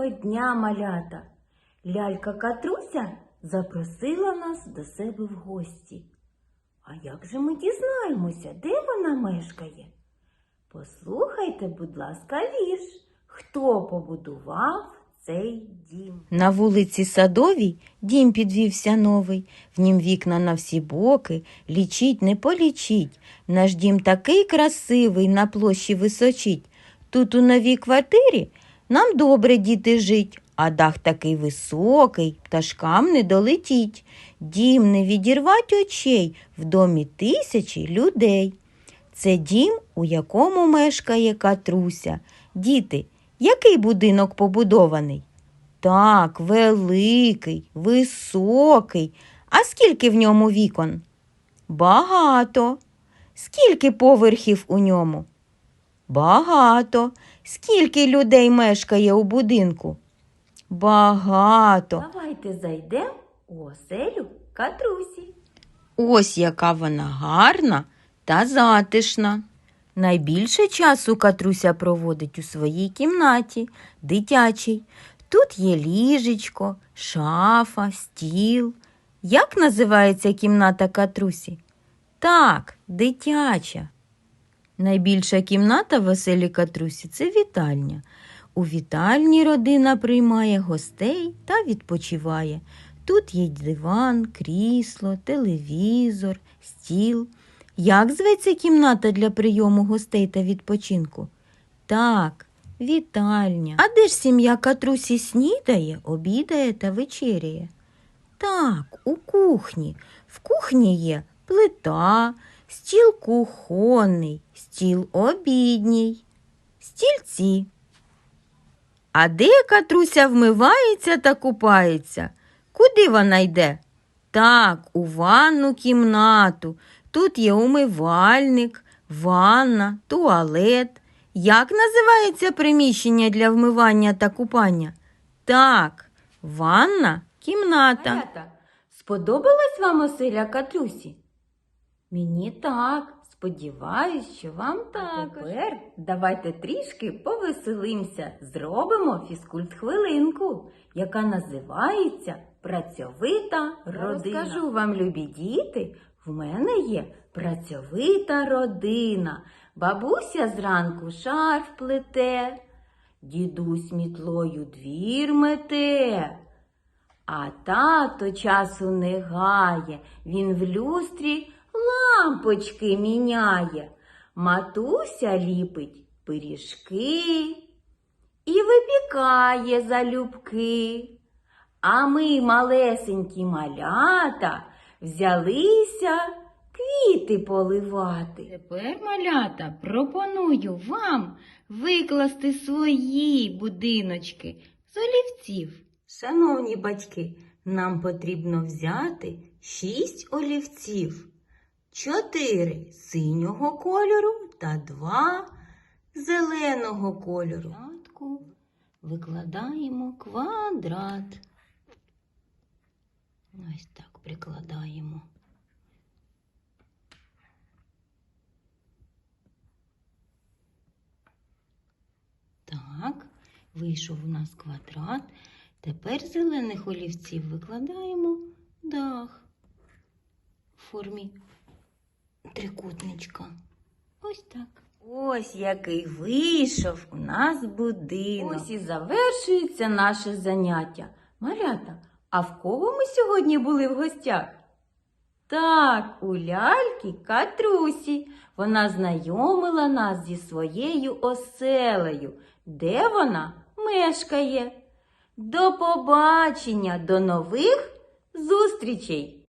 Доброго дня, малята! Лялька Катруся запросила нас до себе в гості. А як же ми дізнаємося, де вона мешкає? Послухайте, будь ласка, вірш. Хто побудував цей дім? На вулиці Садовій дім підвівся новий, в нім вікна на всі боки, лічить не полічить. Наш дім такий красивий, на площі височить. Тут у новій квартирі нам добре, діти, жить, а дах такий високий, пташкам не долетіть. Дім не відірвать очей, в домі тисячі людей. Це дім, у якому мешкає Катруся. Діти, який будинок побудований? Так, великий, високий. А скільки в ньому вікон? Багато. Скільки поверхів у ньому? Багато. Скільки людей мешкає у будинку? Багато. Давайте зайдемо у оселю Катрусі. Ось яка вона гарна та затишна. Найбільше часу Катруся проводить у своїй кімнаті, дитячій. Тут є ліжечко, шафа, стіл. Як називається кімната Катрусі? Так, дитяча. Найбільша кімната в оселі Катрусі – це вітальня. У вітальні родина приймає гостей та відпочиває. Тут є диван, крісло, телевізор, стіл. Як зветься кімната для прийому гостей та відпочинку? Так, вітальня. А де ж сім'я Катрусі снідає, обідає та вечеряє? Так, у кухні. В кухні є плита, стіл кухонний, стіл обідній, стільці. А де Катруся вмивається та купається? Куди вона йде? Так, у ванну кімнату. Тут є умивальник, ванна, туалет. Як називається приміщення для вмивання та купання? Так, ванна кімната. Малята, сподобалась вам оселя Катрусі? Мені так. Сподіваюсь, що вам також. Тепер давайте трішки повеселимося. Зробимо фізкульт-хвилинку, яка називається «Працьовита родина». Розкажу вам, любі діти, в мене є працьовита родина. Бабуся зранку шарф плете, дідусь мітлою двір мете. А тато часу не гає, він в люстрі лампочки міняє. Матуся ліпить пиріжки і випікає залюбки. А ми, малесенькі малята, взялися квіти поливати. Тепер, малята, пропоную вам викласти свої будиночки з олівців. Шановні батьки, нам потрібно взяти 6 олівців, 4 синього кольору та 2 зеленого кольору. Спочатку викладаємо квадрат. Ось так прикладаємо. Так, вийшов у нас квадрат. Тепер з зелених олівців викладаємо дах в формі трикутничка. Ось так. Ось який вийшов у нас будинок. Ось і завершується наше заняття. Малята, а в кого ми сьогодні були в гостях? Так, у ляльки Катрусі. Вона знайомила нас зі своєю оселею. Де вона мешкає? До побачення, до нових зустрічей!